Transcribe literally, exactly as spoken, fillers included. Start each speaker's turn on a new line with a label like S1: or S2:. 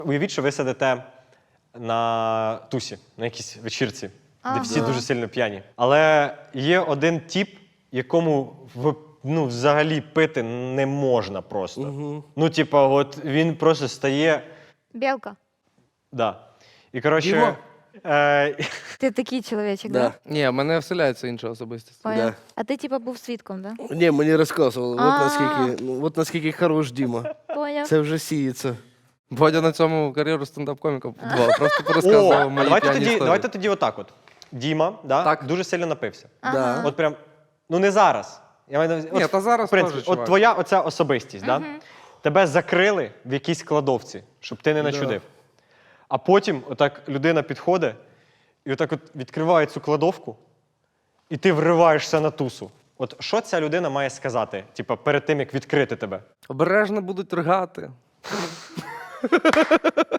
S1: Уявіть, що ви сидите на тусі, на якійсь вечірці,
S2: Ага.
S1: де всі дуже сильно п'яні. Але є один тіп, якому в- ну, взагалі пити не можна просто.
S3: Угу.
S1: Ну, типа, от він просто стає.
S2: Білка.
S1: Да. І коротше.
S3: Діма?
S1: Е,
S2: Ти такий чоловічок,
S3: Да.
S2: да?
S4: Ні, в мене вселяється інша особистість.
S2: Понял.
S3: Да.
S2: А ти типа був свідком, да?
S3: Ні, мені розказували. От
S2: А.
S3: наскільки, ну, от наскільки хорош Діма.
S2: Поняв.
S3: Це вже сіється.
S4: Бодя на цьому кар'єру стендап-коміка будував. Просто порозказував
S1: О,
S4: мої
S1: давайте
S4: п'яні
S1: тоді,
S4: історії.
S1: давайте тоді отак от. Діма, да,
S4: Так.
S1: дуже сильно напився.
S2: Ага.
S1: От прям, ну не зараз. Я маю на увазі-
S4: Ні,
S1: от,
S4: та зараз
S1: в принципі,
S4: теж,
S1: от
S4: чувак.
S1: твоя оця особистість, да? Тебе закрили в якійсь кладовці, щоб ти не начудив. А потім отак людина підходить і отак от відкриває цю кладовку, і ти вриваєшся на тусу. От що ця людина має сказати, типа, перед тим, як відкрити тебе?
S4: Обережно будуть ригати.